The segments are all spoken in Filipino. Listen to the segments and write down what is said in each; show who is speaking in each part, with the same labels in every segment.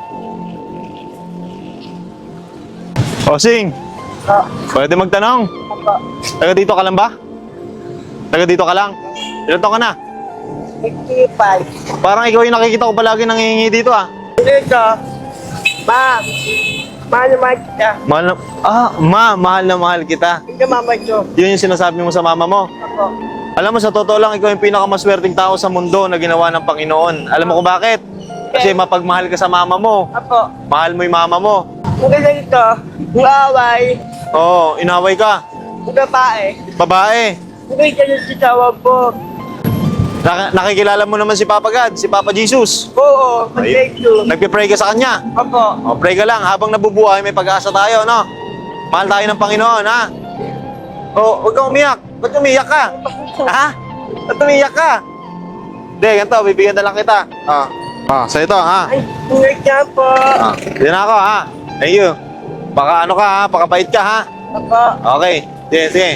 Speaker 1: Osing, pwede magtanong? Taga dito ka lang ba? Taga dito ka lang? Ilan taon ka na?
Speaker 2: 55.
Speaker 1: Parang ikaw yung nakikita ko palagi nangihingi dito ah.
Speaker 2: Dito, ma, mahal na mahal kita.
Speaker 1: Mahal na, mahal na mahal kita.
Speaker 2: Hindi mama ko.
Speaker 1: Yun yung sinasabi mo sa mama mo.
Speaker 2: Ako.
Speaker 1: Alam mo, sa totoo lang, ikaw yung pinakamaswerteng tao sa mundo na ginawa ng Panginoon. Alam mo kung bakit? Kasi mapagmahal ka sa mama mo.
Speaker 2: Ako.
Speaker 1: Mahal mo yung mama mo.
Speaker 2: Kung ganda dito, uaway,
Speaker 1: Oo, inaway ka.
Speaker 2: kung babae,
Speaker 1: Babae.
Speaker 2: kung ganda yung sitawag po.
Speaker 1: Nakikilala mo naman si Papa God, si Papa Jesus.
Speaker 2: Oo, mag-take two.
Speaker 1: Nagpipray ka sa Kanya.
Speaker 2: Ako.
Speaker 1: O, pray ka lang. Habang nabubuhay, may pag-asa tayo, no? Mahal tayo ng Panginoon, ha? O, huwag kang umiyak. Ba't umiyak ka? Ha? Ba't umiyak ka? Hindi, ganito. Bibigyan na lang kita. Sa ito, ha?
Speaker 2: Ay, ingat ka po.
Speaker 1: Yan ako, ha? Thank you. Baka ano ka, ha? Pakabait ka, ha?
Speaker 2: Ako.
Speaker 1: Okay. Sige, sige.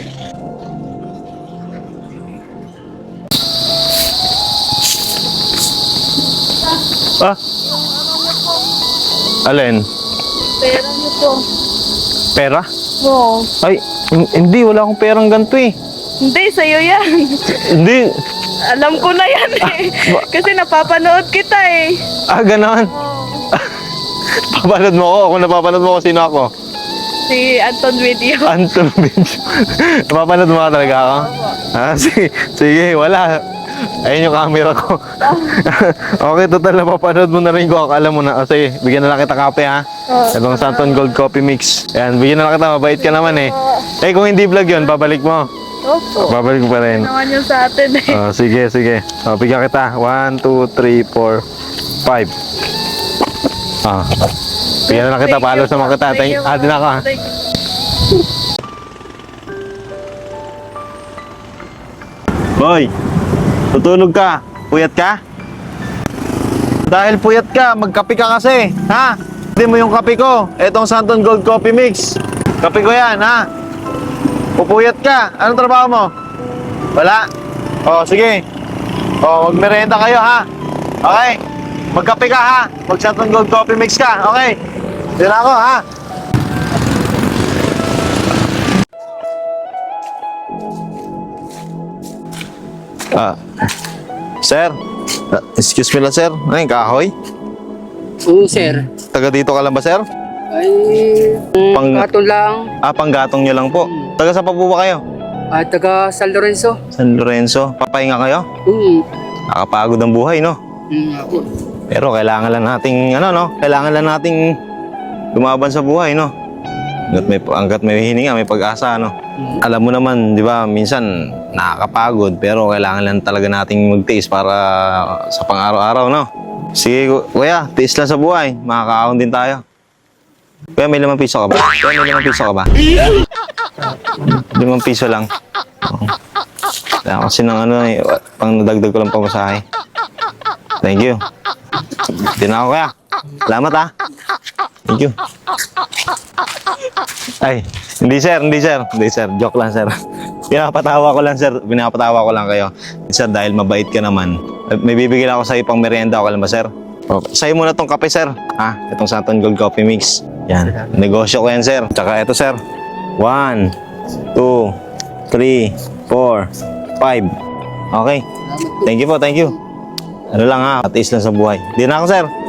Speaker 1: Alin?
Speaker 3: Pera niyo po.
Speaker 1: Pera?
Speaker 3: Oo.
Speaker 1: Ay, hindi. Wala akong perang ganito eh.
Speaker 3: Hindi, sa'yo yan.
Speaker 1: Hindi.
Speaker 3: Alam ko na yan eh. Kasi napapanood kita eh.
Speaker 1: Ganon. Papanood mo ako. Kung napapanood mo ako, sino ako?
Speaker 3: Si Anton Video.
Speaker 1: Anton Benjo. Napapanood mo ka talaga ako? Sige, sige, wala. Ayun yung camera ko. Okay, total napapanood mo na rin ko. Akala mo na. Sige, bigyan na lang kita kape ha. Itong Santon Gold Coffee Mix. Ayan, bigyan na lang kita. Mabait ka naman eh. Eh, kung hindi vlog yun, babalik mo.
Speaker 3: Opo.
Speaker 1: Babalik mo pa rin.
Speaker 3: Naman yun sa atin eh.
Speaker 1: Sige, sige. Bigyan kita. 1, 2, 3, 4, 5. Bigyan na lang kita. Palo sa mga kita. Din ako ha.
Speaker 3: Thank you.
Speaker 1: Boy, tutulog ka. Puyat ka? Dahil puyat ka, magkape ka kasi. Ha? Hindi mo yung kape ko. Etong Santon Gold Coffee Mix. Kape ko yan, ha? Pupuyat ka. Anong trabaho mo? Wala? Sige. Magmerenda kayo, ha? Okay? Magkape ka, ha? Mag Santon Gold Coffee Mix ka, okay? Diyan ako, ha? Sir, excuse me lang sir. Ay, kahoy?
Speaker 4: Oo, sir.
Speaker 1: Taga dito ka lang ba sir?
Speaker 4: Ay,
Speaker 1: Pang-
Speaker 4: katon lang.
Speaker 1: Panggatong nyo lang po. Taga saan pa po ba kayo?
Speaker 4: Taga San Lorenzo.
Speaker 1: San Lorenzo. Papahinga kayo? Nakapagod ang buhay, no?
Speaker 4: Ako.
Speaker 1: Pero kailangan lang nating, Kailangan lang nating lumaban sa buhay, no? Hanggat may hininga, may pag-asa, no? Alam mo naman, di ba, minsan nakakapagod, pero kailangan lang talaga nating magtiis para sa pang-araw-araw, no? Sige, kuya, tiis lang sa buhay. Makakaahon din tayo. Kuya, may 5 piso ka ba? Kuya, may 5 piso ka ba? 5 piso lang. Kasi nang pang nadagdag ko lang pamasahe. Thank you. Hindi na ako, kuya. Salamat, ha. Thank you. Ay, hindi sir. Joke lang sir. Pinapatawa ko lang sir. Pinapatawa ko lang kayo. Sir, dahil mabait ka naman, may bibigyan ako sa iyo pang merienda. Okay lang ba sir? Okay. Sa'yo muna tong kape sir. Itong Santon Gold Coffee Mix. Yan. Negosyo ko yan sir. Tsaka ito sir. 1, 2, 3, 4, 5. Okay. Thank you po, thank you. Ano lang ha, patiis lang sa buhay. Di na ako sir.